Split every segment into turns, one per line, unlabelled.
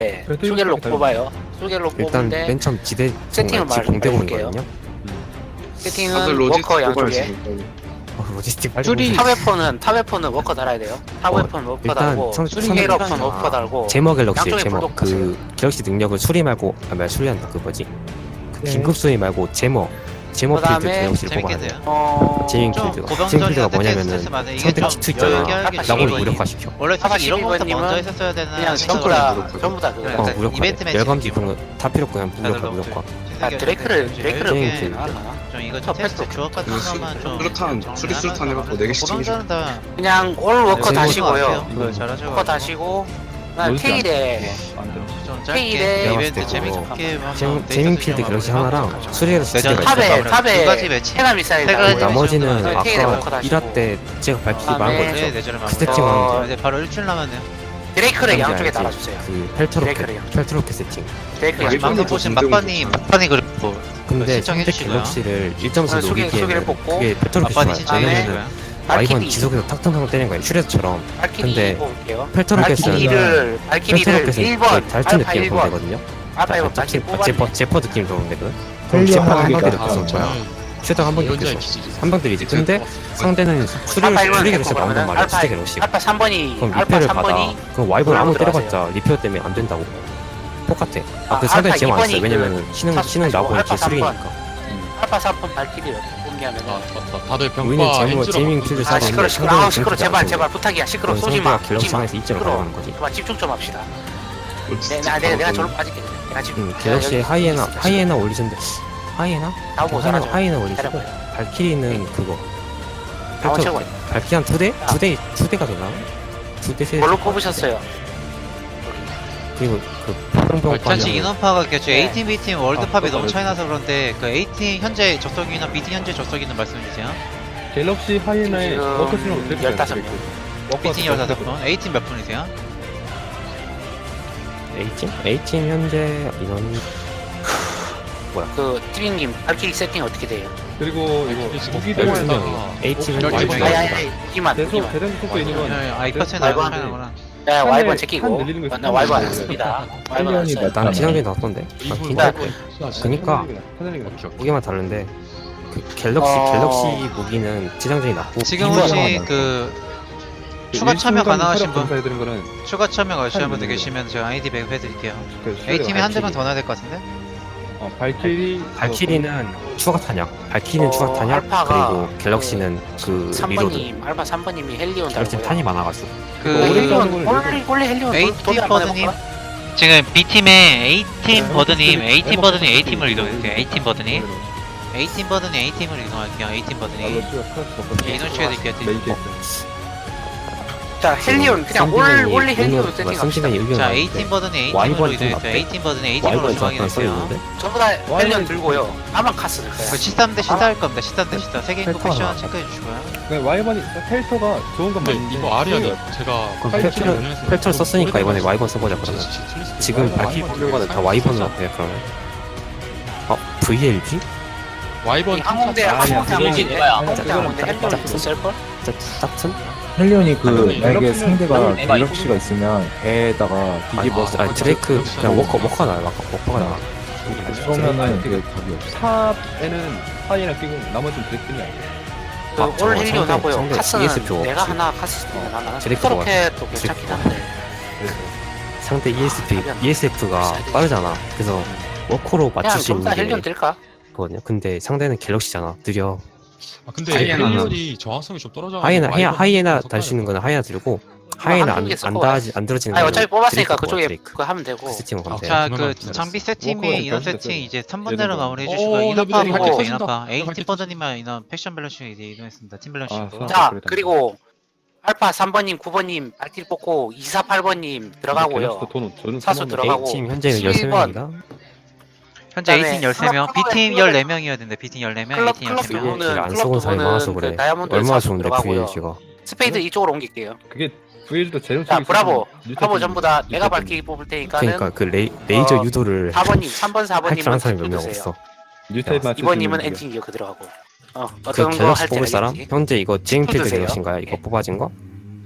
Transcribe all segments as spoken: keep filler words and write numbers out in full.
네,
그래도
수겔로
이렇게
뽑아요. 수겔로
일단
뽑는데
맨 처음 지대
세팅을 말-
공대공이거든요.
말해볼게요.
다들
세팅은
로지스틱
워커
뽑아요
양쪽에
지금.
어, 로지스틱 빨리
줄이-
보세요.
타웨폰은 타웨폰은 워커 달아야 돼요. 타웨폰 워커
일단
달고
성-
스케일업은
성능이
워커 달고
제머 갤럭시
양쪽에
제머
불독
그 갤럭시 능력을 수리 말고 아 뭐야 수리한다 그 뭐지 그
네.
긴급 수리 말고 제머 제머 필드
그다음에
갤럭시를 뽑아야 돼요.
재밌겠네요.
어...
제인
좀
필드가
고병
제인
전이나
필드가
스트레스
뭐냐면은
많은 이게
선택
좀
치트 있잖아.
여유하게
아까
라고를
이거
무력화시켜.
원래
아까
사실 이런 것부터
십일
먼저
번님은
했었어야 되나
그냥 전부
생각을
다
무력화.
전부 다 그거
네,
어
약간
무력화.
이벤트 매치
열감지
느낌으로.
그런 거 다 필요 없고 그냥 무력화 무력화.
아, 드레이크를 드레이크를
제인
뽑지
필드.
않았나?
좀 이거
첫
테스트
패스트.
주업 같은
그 수-
것만 좀
수류탄,
좀
수리 수류탄
정리하면서
해갖고 네 개씩
고병전은 다
그냥 올 워커
네,
다시고요.
이거 잘하죠.
워커 다시고 그다음
로지스틱
테일에
안 돼요.
좀
테일에
짧게
내가
이벤트
봤을 때
재밌게 한번
제밍
데이터
제밍
수정
필드 갤럭시
한번
하나랑
하고
수리해서
내전
두 개가
탑에
있어요.
두
탑에
가지 매치.
테라 미사일
세
달고
가지
나머지는
정도는
테일에 워커
아까
다시고.
일 화 때 제가 밝히기
그다음에
많은 거
네,
있죠.
내전을
그
마무리.
세팅만
어,
어, 이제 바로 일주일 남았네요.
드레이크를
뭔지
양쪽에
알지?
달아주세요.
그 펠트로켓
드레이크래요.
펠트로켓 세팅.
드레이크
아,
양쪽에.
방금
일본이
보신
더
막판이
공대공이죠.
막판이 그랬고
근데
신청해
선택
주시고요.
갤럭시를 일 점 사
어, 소개- 소개를
노리기에는
뽑고
그게 펠트로켓이
막판이
좋아요.
신청해
다음에
주시고요.
와이번
발키리
지속해서 탁탁탁 때리는 거예요. 슈레드처럼.
발키리
근데
뽑을게요.
펠트로켓은
발키리를 발키리를
펠트로켓은
일 번
달트
알파
느낌
일
보면
번
되거든요.
알파 일 번
제,
발키리 뽑았네.
제퍼 제퍼 느낌 도는데 그럼
헬리온
제퍼 한
하기가
방대로
다
쏘는 거야. 슈터 한 방대 쏘. 한 방대이지. 근데 상대는 수리
알파 일 번
수리
데리고
갤럭시 나온단
그러면
말이야.
알파
수리 갤럭시.
알파 삼 번이
그럼
알파
리페어를
삼
받아.
번이
그럼 와이번 아무
들어가세요.
때려봤자 리페어 때문에 안 된다고. 똑같아. 아,
아,
그 상대
알파
제모 안
이 번이
써요. 왜냐면
그
신흥
사수
신흥
가지고
나고
알파
이제
삼 번.
수리니까.
알파 삼 번 발키리를 뽑냐면은
아, 맞다. 다들
우리는
병과
제모
엔지로
제이밍 필드
아
사고
시끄러 시끄러 아 시끄러 제발 제발 부탁이야 시끄러 쏘지 마
갤럭시
쏘지 마
상에서 이점을
시끄러
가져가는 거지.
제발 집중 좀 합시다.
로지스틱
네, 나 내가 내가
바로
저로 빠질게. 내가 지금
음, 갤럭시 하이에나 하이에나 올리셨는데 하이에나?
나오고
하이에나
잘하죠.
하이에나 올리시고
기다려봐요.
발키리는 그거
나온
펠터-
최고.
발키리 한 두 대? 두 대, 두 대가 되나? 두 대, 세 대.
뭘로 뽑으셨어요?
그리고 그 평평
전체 인원파가 그
네.
A팀, B팀 월드팝이
아,
너무
그거
차이 나서 그런데 그 A팀 현재 접속 인원, B팀 현재 접속 인원 말씀해 주세요.
갤럭시 하이에나에
지금
워커 수령 어떻게
열다섯 명.
B팀 열다섯 분, A팀 몇 분이세요?
A팀? A팀 현재 인원이
그 트윈님 발키리 세팅 어떻게 돼요?
그리고 이거 무기들
열두 명.
아,
A팀은
열두
와이번
명.
아니
나옵니다.
아니 아니 무기만
대소
무기만.
대단 속도 있는 건
아, 이 퍼센트
말고
차이
하는데.
나구나.
네
한
와이번
대-
제끼고
한 늘리는 거
나 와이번 안
있으면
했습니다. 와이번 안
헬리온이
했어요.
나는 지난주에 나왔던데. 아, 진짜 그니까 무기만 다른데 그 갤럭시
어.
갤럭시 무기는 지상전이 낮고
지금
이거는
혹시 그 추가 참여 가능하신 분,
해드린 거는
추가 참여 가능하신 분들
한
계시면 제가 아이디 배급해 드릴게요.
그
A팀이 한 대만
발키리.
더 넣어야 될 것 같은데?
어, 발키리
발키리는 추가 탄약, 발키리는
어,
추가 탄약,
알파가
그리고 갤럭시는 그 리로드.
삼 번님 알파 삼 번님이 헬리온
갤럭시
달고요.
탄이 많아가지고.
그
헬리온 원래 원래 헬리온
A팀
도전 한번
버드님
해볼까?
지금 B팀의 A팀
네,
버드님,
네,
A팀
네,
버드님
네,
A팀을
네,
이동해주세요.
네,
A팀 버드님 A팀 버드님 A팀을 이동할게요. A팀 버드님
네,
인원 취해드릴게요.
자 헬리온 그냥 올 원래 헬리온 세팅합시다.
삼진의 의견.
자 A팀 버드님 A팀으로
와이번 좀
이동해주세요.
어때?
A팀 버드님 A팀으로
와이번
이동하게
잠깐 써
해주세요.
있는데.
전부 다 헬리온 들고요. 아만 카스 들
그
거야.
십삼 대 십사 할 겁니다. 십삼 대 십사 세개 인구
펠터가
패션
나왔다.
체크해 주시고요.
네, 와이번이 펠터가 좋은 건
근데
맞는데
이거 아리아니
소리가
제가
그럼
팔
펠트를
킬을
펠트를 썼으니까 이번에 와이번 써보자 그러면. 지금
와이번,
발키리
와이번
뽑는 거는 다 와이번으로 어때요 그러면? 어? 브이엘지?
와이번
항공대
아, 아니야,
항공대
그거는-
항공대
아니야,
항공대
그거는
항공대 헬리온 쓸걸?
짝퉁?
헬리온이 그
아니,
만약에
갤럭시는-
상대가
갤럭시-
갤럭시가 있으면 배에다가 뒤집어서
아, 드레이크 그냥 워커 워커 나요 워커 워커가 나와.
쏘면은 그게 답이 없어.
탑에는 하이에나 끼고 나머지는 드래프팅이 아니에요.
그
아,
올
저거
헬리온
상대-
하고요.
상대
카스는
이에스피
내가
없지.
하나 카스 쓰면 나는
드래프
스토로켓도 괜찮긴 한데
상대 이에스피
하면
이에스에프가
비싸야
빠르잖아. 그래서 워커로
그냥
맞출 수
전부 다
있는
헬리온
게
될까?
거든요. 근데 상대는 갤럭시잖아. 느려.
아 근데
하이에나는-
헬리온이 정확성이 좀 떨어져.
하이에나 하이에나, 하이에나 달 수 있는 거는 하이에나 들고 하이에나 안,
한두 개
안
쓸거
다지 안 들어지는
아니
거는
어차피 뽑았으니까
드레이크
그쪽에
드레이크.
그거 하면 되고
그 세팅을 가면
아,
돼.
자,
그러면
그
기다렸어.
장비
워커가
세팅이 인원
일단
세팅
됐어요.
이제 삼
예를
번대로
들어.
마무리해
어,
주시고
어,
인원파고
여기
발키리
인원파
터진다.
A팀
발키리
버드님만 인원 패션 밸런싱 이제 이동했습니다. 팀 밸런싱.
아,
자
그래도
그리고 알파 삼 번님 구 번님 발키리 뽑고 이사팔 번님 들어가고요.
갤럭시도 돈 저는
사수
삼만
들어가고.
A팀 현재는
십일
십삼
번.
명입니다.
현재
그다음에
A팀 열세 명,
클럽
B팀
클럽
열네 명이어야 된다. B팀 열네 명,
클럽
A팀
클럽
열세 명.
부분은
브이엘지를 안
클럽
써본 사람이
부분은
많아서
그
그래.
다이아몬드
얼마나
사수
좋은데
들어가고요.
브이엘지가.
스페이드 이쪽으로 옮길게요.
그게 브이엘도 재정
자 브라보
뉴
브라보
세팅,
전부 다
뉴
내가
세팅.
발키리 뽑을 테니까는
그러니까 그 레이, 레이저
어,
유도를
사 번님 삼 번 사
할 줄
번님은
아는 사람이 몇
투표
명
주세요.
없어.
뉴 타입 맞출 수
이 번님은
있는
엔진 기어 들어가고 어
그
어떤 거
갤럭시
할지
뽑을 사람?
알겠지?
현재 이거 제잉필드
투표주세요.
갤럭시인가요? 이거
네.
뽑아진 거?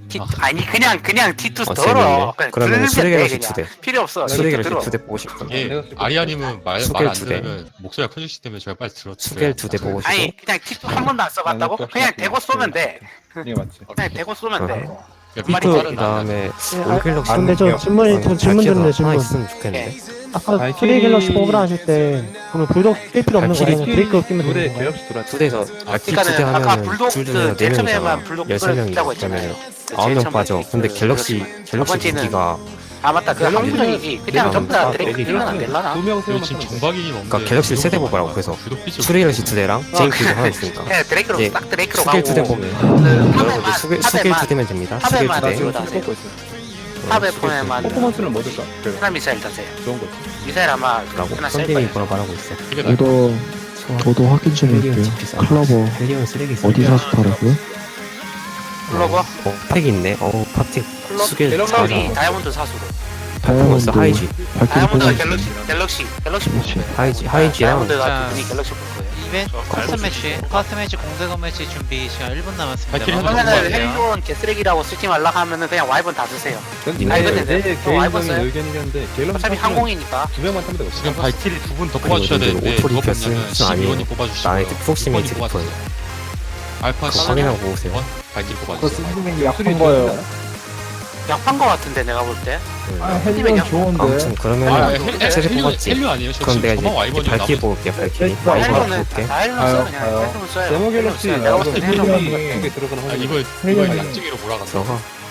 T, 아니 그냥 그냥 티 투
어,
덜어.
재밌네.
그냥
그러면
들으면
수레갤럭시
돼,
두
그냥.
대.
필요 없어.
수레갤럭시
들어.
두 대 보고 싶어.
이게
내가 쓸
아리아님은 말
수겔
말 안
두 대.
들으면 목소리가 커지시기 때문에 제가 빨리 들어.
수겔 두 대 보고 싶어.
아니 그냥 티 투 한 번도 안 써봤다고?
나는
그냥
그거
대고 쏘면 돼.
이게 맞지.
그냥 대고 쏘면 돼.
말이
그
빠르다.
다음에 올갤럭시.
아, 근데 저 질문이 저 질문 드렸네
하나
질문.
있으면 좋겠는데.
아까
아니,
프레이 갤럭시
키-
뽑으라 하실 때 그러면 불독 낄 필요 없는 거예요? 그냥 브레이크 끼면
둘에
되는 거예요?
갤럭시 들어왔지.
두 대에서 발키 두대
그러니까는 아까
하면은
불독
둘
그
중에 네
제일 처음에만
명이잖아.
불독
열세 명이
있다고 했잖아요.
그러면
그
아홉
제일
명
처음에
빠져.
그
근데 갤럭시
두
갤럭시
번째는
무기가
아 맞다 그
갤럭시-
한국적이지. 그냥 전부 다 드래그 끼면 안 될라나?
두명
여기
세우면
지금
돼.
정박이 없는데.
그러니까 갤럭시 세대 뽑으라고 그래서 수레갤럭시 두 대랑 제인키도 하나 있으니까.
네 드래그로
이제
딱 드래그로
수겔
가고
두 대 뽑으면
그
여러분들
탑에만
수겔 수겔 두
탑에만
대면 됩니다. 수겔 두
탑에만
대.
지금
지금
하세요.
뽑고 있어.
탑에
수겔 두 대.
보내만
퍼포먼스는 뭐 줄까? 그래.
하나 미사일 타세요.
좋은 거지.
미사일 아마
라고
하나 셀
펀딩이
거예요.
뭐라 말하고 있어.
저도 저도 확인 좀
헬리온
해볼게요.
집 비싸.
클러버
헬리온 쓰레기 쓰레기.
어디 사서 팔았고요?
클로버?
어, 팩 있네. 어, 파텍.
클로-
수겔
클로비
잘하고.
다이아몬드 사수로.
퍼포먼스
다이아몬드
하이지.
발길이
다이아몬드가
뽑았어요.
갤럭시 갤럭시 갤럭시 볼 거예요.
하이지 하이지랑
다이아몬드가
자,
분이 갤럭시 볼 거예요.
이벤트 커스텀 매치 커스텀 매치 공대건 매치 준비 시간 일 분 남았습니다.
발키리
마무리
하나
그러면은
해주세요.
헬리온 개쓰레기라고 쓰지 말라 하면은 그냥 와이번 다 드세요.
아니,
내
근데
내
또 와이번
개인적인
써요?
의견이긴데 갤럭시
어차피
사실은
항공이니까.
두 명만 타면 되거든.
지금 발키리 두 분 더
아니,
뽑아주셔야
오늘
되는데
오토리
누가
켰어요?
뽑냐면
아니에요.
십이 번이 뽑아주시고요.
나의 프록시메이트
육 번이 뽑아주세요.
리플.
알파
그거
십이
확인하고 오세요.
번 발키리
그거
뽑아주세요.
스님이 약한 거예요.
약한 거 같은데 내가 볼 때.
아, 헬리온 좋은데.
아무튼
아,
그러면
헬- 헬-
세대
헬류
뽑았지.
헬류 아니에요? 저
그럼
지금
내가
저만
이제
와이번이
발키리
남은.
뽑을게. 발키리.
네.
와이번
헬리온은
뽑을게.
다 헬리온 써 그냥
아유,
헬리온 써요.
데모
헬리온
갤럭시
써요. 내가 볼 때
나오고
헬리온.
헬리온이 두개 들어가는
아
확률이
이거
헬륨이-
이거 약증이로 몰아간다.
들어가.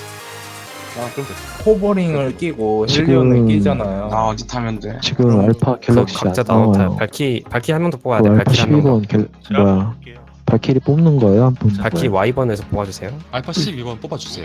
아 그럼 됐어.
호버링을 끼고
지금-
헬리온을 끼잖아요.
나 어디 타면 돼?
지금 알파
그
갤럭시
각자
안
나눠 타요.
나와요.
발키 발키 한 명 더 뽑아야
그
돼.
알파
발키 한 명 더.
십이 번 갤 뭐야 발키리 뽑는 거예요? 안 뽑는
발키
거예요?
와이번에서 뽑아주세요.
알파 십이 번 뽑아주세요.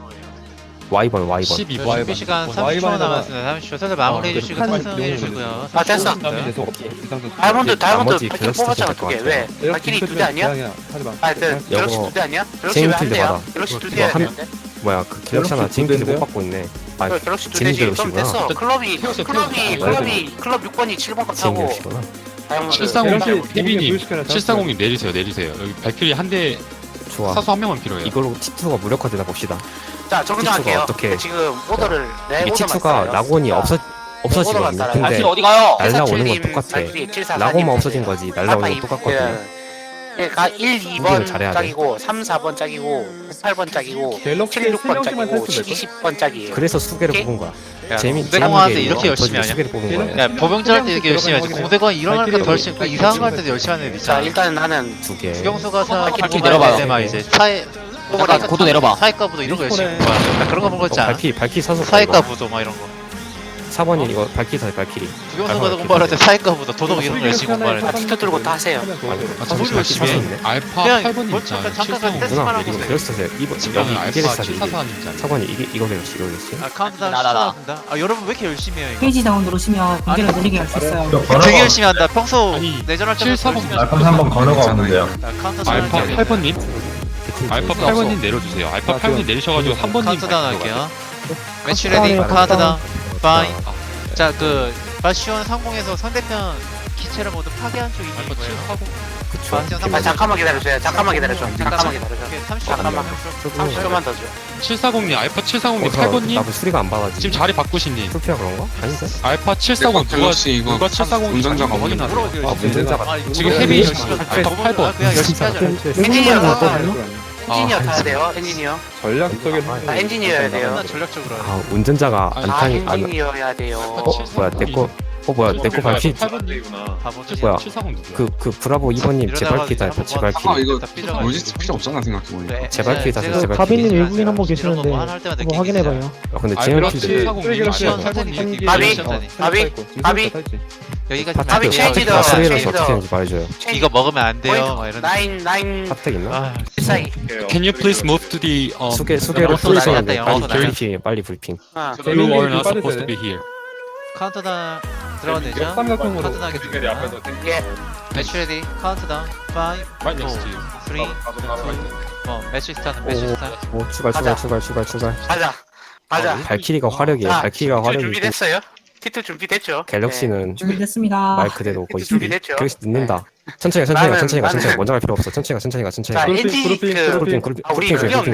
와이번 와이번.
십이 번.
준비 시간 삼십 초
와이번에다가-
남았습니다. 삼십 초. 다들 마무리
어,
해주시고
한
탑승해
명을
주시고요.
아, 됐어.
계속 이상도
다이아몬드 다이아몬드
나머지
발키리
갤럭시
뽑았잖아
될것
두 개.
같아요.
왜? 발키리 두 대 아니야?
하지 마.
아, 그 갤럭시
이거
두 대 아니야? 갤럭시 왜 한
제인필드
대야?
받아.
갤럭시 두
이거
대야
한-
되는데?
뭐야 그 갤럭시 하나
갤럭시
지금까지 못
두
받고 있네. 아
그 갤럭시 두
제인
대지. 그럼
갤럭시구나.
됐어. 클럽이
태웠어요,
클럽이
태웠어요.
클럽이 클럽 육 번이 칠 번 거
제인
타고
갤럭시구나.
다이아몬드.
칠사공
갤럭시
케빈님
보여줄까요?
칠사공님 내리세요 내리세요. 여기 발키리 한 대
좋아.
사수 한 명만 필요해요.
이걸로 티투가 무력화되나 봅시다.
자 정정할게요.
어떻게-
지금 오더를 내
이게
오더만
티투가
따라요.
라곤이
자,
없어 없어지거든요.
따라요.
근데
어디 가요?
날라오는 건 똑같아. 라곤만 없어진 거지 날라오는 건 똑같거든요.
그러니까 일, 이
공격을
번
잘해야 돼.
짝이고 삼, 사 번 짝이고 팔 번 짝이고
갤럭시
칠, 육 번
세 명씩만
짝이고
탈 수도
십,
될걸?
이십 번 짝이에요.
그래서 수계를
오케이?
뽑은 거야.
야,
재미
공대공한테
재밌게
이렇게 열심히
터지게
하냐?
수계를 뽑은 거야.
야 법영절 할 때 이렇게 열심히 하지. 공대건 이런 할까 더 열심히 그 이상한 거 할 때도 열심히 하는 애들
자
있잖아.
일단 나는
두 개.
주경수가 사
발키리
발키리
내려봐.
내려봐. 때만 이제 사회
약간
고도 내려봐. 사회과 부도 이런 거 열심히 한 거야. 나 그런 거 본 거
어,
있지 않아?
발키 발키 사서
사회과 부도 막 이런 거.
사 번이 이거 발키 사 발키리.
주경수가 공부할 때 사회과 부도 도덕 이런 거 열심히 공부하는
아,
애들.
티켓 들고 다 하세요.
아,
소리
잠시만요.
열심히 해.
지금 알파
그냥
팔 번님
뭐
있잖아요.
잠깐 잠깐
칠사공.
테스트
누나
하라고
이거
있어요.
갤럭시 사세요. 이번
지금
여기 이게
알파
사세요. 이게.
칠사사님이잖아요.
사 번이 이게 이거 갤럭시 이거 갤럭시.
아 카운트다운 시작합니다. 아 여러분 왜 이렇게 열심히 해요 이거?
페이지 다운 누르시면 공개를 느리게 할 수 있어요.
되게 열심히 한다. 평소
아니,
내전할 때도
칠사공
열심히 하죠.
한번 걸어가 오는데요.
자, 카운트다운
알파
할게요.
팔 번님 알파 팔 번님 내려주세요. 알파 팔 번님 내리셔가지고 한 번님
카운트다운
발키리
할게요. 매치 레디 카운트다운 파이.
아,
자그 바시온 상공에서 상대편 기체를 모두 파괴한 쪽이 있는
알파
거예요.
칠사공.
그쵸.
바시온
아,
상공.
잠깐만 기다려줘요. 잠깐만 기다려줘. 잠깐만 기다려줘.
삼십 초
잠깐만. 삼십 초만 더 줘.
칠사공님 알파 칠사공님
어,
팔 번님
나도 수리가 안 받아지.
지금 자리 바꾸신님
풀피야 그런가? 아닌데?
알파 칠사공 누가 누가 칠사공 운전자가 확인하세요.
아 문제자가
아, 이거
지금
뭐야?
헤비
아,
알파 팔 번.
아, 그냥 열심히 하자.
엔지니어
못
타야
뽑아요?
엔지니어
아,
타야 돼요. 엔지니어.
전략적인
아, 엔지니어여야 돼요.
겁나 전략적으로 하네.
아 운전자가
아,
안
아
타니 안.
엔지니어여야 돼요.
어 뭐야 내거 어 뭐야 내거 발키
팔 번님
바보들이.
뭐야?
칠사공 누구야?
그 그 브라보 이 번님 제 발키 다 제 발키.
아 이거
다 삐져가지고.
로지스틱 필요 없잖아 생각해보니까.
네,
제발
제가-
기회
제가
제발
가빈님
기회.
외국인 한 분
이런
계시는데
거뭐할 때마다
한번
느끼기
확인해봐요.
아 근데
알파
제임필드
칠사공님
시원
알파
선택이
팔 번님.
느끼기
바비?
시원하네.
바비? 바비?
여기까지
바비
파텍
체인지 더,
파텍 수리를
체인지
어떻게
더.
하는지 말해줘요.
이거 먹으면 안 돼요. 막 이런.
나인 나인
파텍 있나?
아,
사이.
Can you please move to the um,
수계 수계를
영어도
풀리셨는데
나갔다,
빨리
영어도
브리핑 빨리 브리핑.
아,
You are not supposed to be here.
카운트다운 들어가되죠?
역삼각형으로
카운트다운 하겠습니다.
예.
매치 레디 카운트다운
Right
오,
next to you.
쓰리, 투, 원. 매치 스타트 매치 스타트.
오 출발 출발 출발 출발 출발.
가자. 가자.
발키리가 화력이에요.
자,
발키리가
티투
화력이고
준비됐어요? 티투 준비됐죠?
갤럭시는
준비됐습니다.
말 그대로 거의
준비됐죠?
갤럭시 늦는다. 천천히 가 천천히 가
나는-
천천히 가 천천히 가
나는-
먼저 갈 필요 없어. 천천히 가 천천히 가 천천히
자,
가.
그룹핑,
엔진이
그룹핑,
그
그룹핑 그룹핑
아, 우리
그룹핑
그게
그룹핑.
없네.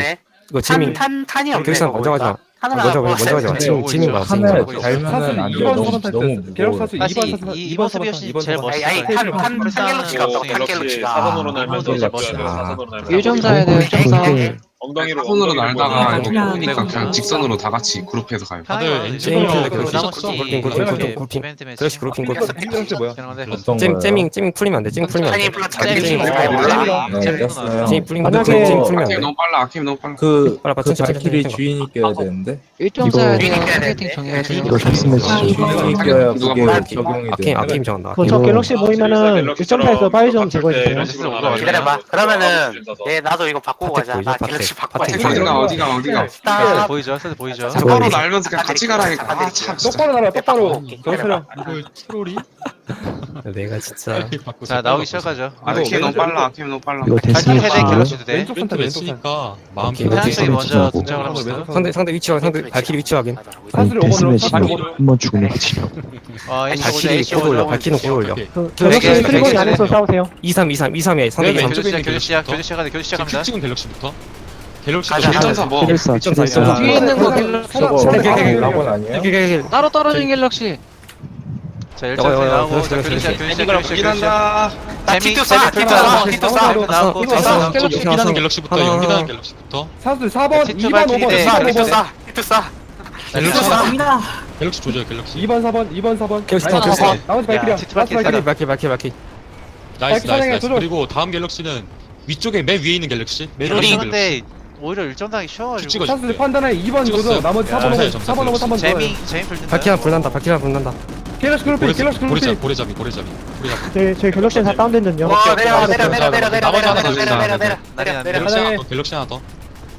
이거
탄,
지민
탄, 탄이 없네.
교수님 먼저 가자.
탄을
먼저
하고
먼저 가자.
네,
지민
오고
지민
있죠.
가 지민
하늘
가.
달면은 안
사슬
돼.
이번
너무
사번
너무
탈 계력
무거워.
사슬
다시
이번 사슬
이-
이번
이번
사번
수비 없이
이번
제일
사번.
멋있어요.
아니, 아니, 탄, 탄, 탄 갤럭시가 없어. 탄 갤럭시가.
멋있다.
일 점 사야 돼. 일 점 사.
그게
엉덩이로 사선으로 날다가 이거
그냥
보니까
네.
그냥 직선으로 다 같이 그룹해서 가요.
다들
편하게
엔진으로
가요.
그렇게
그리고
그렇게
나머지
그렇게 그렇게 그렇게 그렇게
이벤트 매치.
그렇지 그렇게 그렇게.
헬스 뭐야?
되는데
어떤
잼
거예요?
잼밍 잼밍 풀리면 안 돼. 잼 풀리면 안
탄이
돼.
플러스
잼이
잼이
잼이
잘 몰라.
네,
잼이
깼어요.
잼 풀리면 안 돼.
만약에-
잼 풀리면 안
아케임
돼.
너무 빨라. 아케임 너무 빨라.
그,
빨리
그
천천히,
발키리
천천히.
주인이 껴야 되는데
이거
네.
이거 샵스매치
주인이 껴야
누가
그게
뭐야?
적용이
아케임
돼.
아케임 정한다.
그저
이거-
갤럭시 모이면은 일 점 사에서 파이 좀 제거해주세요.
멋있어 온거 같아요.
기다려봐. 그러면은, 예, 나도 이거 바꾸고
파텍
가자.
보이죠?
나
파텍.
갤럭시 바꿔야
파텍.
돼.
어디가 어디가 어디가.
딱.
보이죠? 세트 보이죠?
자,
똑바로
보이죠?
날면서 그냥 같이 가라니까. 아 참 진짜.
똑바로 날아 똑바로.
기다려봐.
저처럼.
이걸 트롤이?
내가 진짜
자 나오기 시작하죠.
아케임 너무 빨라. 아케임 너무 빨라.
이거
발키리
데스매치
헤드
이거
갤럭시도 돼.
왼쪽
멘트
선택 왼쪽 선.
맺으니까 마음
오케이.
편하게
태양 쪽이
왼쪽
먼저
선택
등장을
왼쪽
합시다.
선택.
상대 상대 위치 확인. 상대 발키리 위치 확인.
사슬
아니
오버로
데스매치
사슬 오버로.
한번 죽으면 끝이야.
어 에이치 오죠.
발키리
에이치
고도 올려.
오죠.
발키리는 고도 올려.
그
네,
갤럭시
네,
트리거리
네,
안에서
네.
싸우세요.
이삼 이삼 이삼이야. 상대
네,
이삼.
교대 시작.
왼쪽에
교대 시작.
있는
교대 시작하자. 교대 시작합니다.
찍은 갤럭시부터 갤럭시
가자.
일 점 사 뭐.
칠일사 칠일사
야.
뒤에 있는 거
저거
네, 네, 네, 네.
라곤 아니에요?
길
따로 떨어진 갤럭시. 자 일 점
저거, 저거,
나오고
교대
자,
시작,
교대 시작.
교대
교대 시작.
이걸
교대 시작.
보긴 한다.
나
재미-
티투
재미
쏴,
풀
티투
나오고,
쏴, 티투
티투
쏴.
나오고,
이거
티투
쏴.
나오고.
연기나는 갤럭시부터
하나.
연기나는 갤럭시부터
사슬 사 번
티투
이 번
발키리
오버
대
사 번
티투
오버.
쏴, 티투 쏴.
갤럭시
갑니다.
갤럭시 조져요 갤럭시
이 번 사 번 이 번 사 번.
갤럭시
아니,
타, 갤럭시
나머지 나머지 발키리야.
티투
나머지
발키리
발키리.
발키리 발키리 발키리.
나이스 나이스
사랑해,
나이스
조져.
그리고 다음 갤럭시는 위쪽에 맨 위에 있는 갤럭시 맨 위에
우리
있는 갤럭시
근데 오히려 일 점 당이
쭉
쉬워가지고.
찍어
사슬 판단에 이 번
찍었어요.
조져. 나머지
야,
사 번 오버
감사해요,
사 번 오버 삼 번 조져.
재미 재미 풀린다.
발키리 하나 불난다. 발키리 하나 불난다.
갤럭시 그룹핑 갤럭시
고래잡이
그룹핑.
고래잡이 고래잡이 고래잡이
제, 제 갤럭시는 다 다운된전요.
와, 내려, 내려, 내려, 내려, 내려,
나머지
내려,
하나
내려,
더
내려, 내려,
주자.
내려, 내려, 내려.
갤럭시 하나 더 갤럭시 하나 더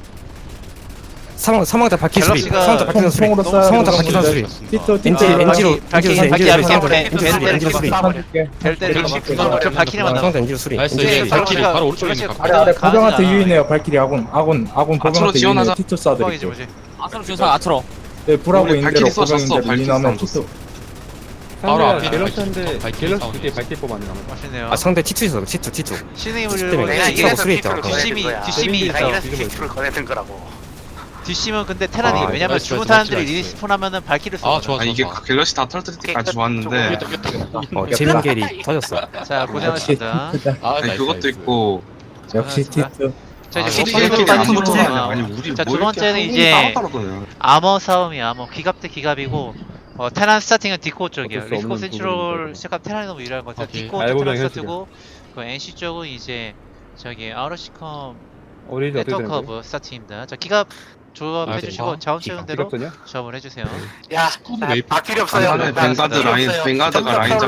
사망 사망자 발키리 수리.
갤럭시가
사망자 발키리 수리.
총으로 쏴야
사망자
돼.
발키리 수리.
티투
엔지
티투
엔지로
발키리,
엔지로
발키리
엔지로
앞에
엔지로
앞에
수리. 엔지로 수리.
쏴줄게.
될 때를
갤럭시
막
그거
그럼 발키리만 나와.
사망자 엔지로 수리.
나이스
엔지로
이제
수리.
발키리 바로 오른쪽에 있는
갤럭시가
아래
각
아래
가능하잖아.
고병한테 유인해요. 발키리 아군 아군 아군
앞으로
고병한테
지원하자.
유인해. 티투
뻥이지
쏴드릴게요.
뭐지.
아트로 주사 아트로.
네, 불하고
우리
있는
발키리
대로
써줬어.
고병인데
발키리
유인하면
써줬어.
티투.
바로 앞에 있는
갤럭시한테
발키리, 발키리
갤럭시
사운드.
그때 발키리 뽑았네. 나머지.
멋있네요.
아 상대 티투 있어. 티투 티투.
신의
때문에
물고
내가
네,
이래서
수리
티투를
있잖아.
꺼내는
뒷심이-
거야.
뒷심이
내가
있어.
이래서 티투를 꺼내는 거라고.
뒷심은 근데 테란이
아,
왜냐면
나이스,
죽은
나이스,
사람들이
나이스.
리스폰 하면은 발키를 써.
아 좋아
아
좋아
이게
좋아
갤럭시 다 털 때까지 좋았는데.
어 재민겔이 터졌어.
자 고생하셨습니다.
아
아니
나이스,
그것도
나이스.
있고.
역시 티투.
자
아,
이제
역시
시리즈로
발키리
가는
안
거죠.
붙어서
아,
아니 우리
자,
뭐
두 번째는
이렇게
이제
따로 따로 떠요.
아머 싸움이야. 아머 기갑 대 기갑이고 어, 테란 스타팅은 디코 쪽이에요.
어쩔 수
리스코
없는
센트럴
부분이죠.
시합 테란이 너무 유리한 것 같아요.
오케이.
디코
알고
테란
보면
스타트고 그 엔씨 쪽은 이제 저기 아우러시컴
어린이집 어떻게 되는 거예요?
네트워크허브 스타팅입니다. 자 기갑 조합해
아,
주시고
네.
자원 채운 대로
기갑전이야?
조합을 해주세요.
야,
스쿼드
나
웨이프.
바퀴리 없어요.
간단해.
나
뱅가드
바퀴리
라인
없어요.
뱅가드가 라인
점점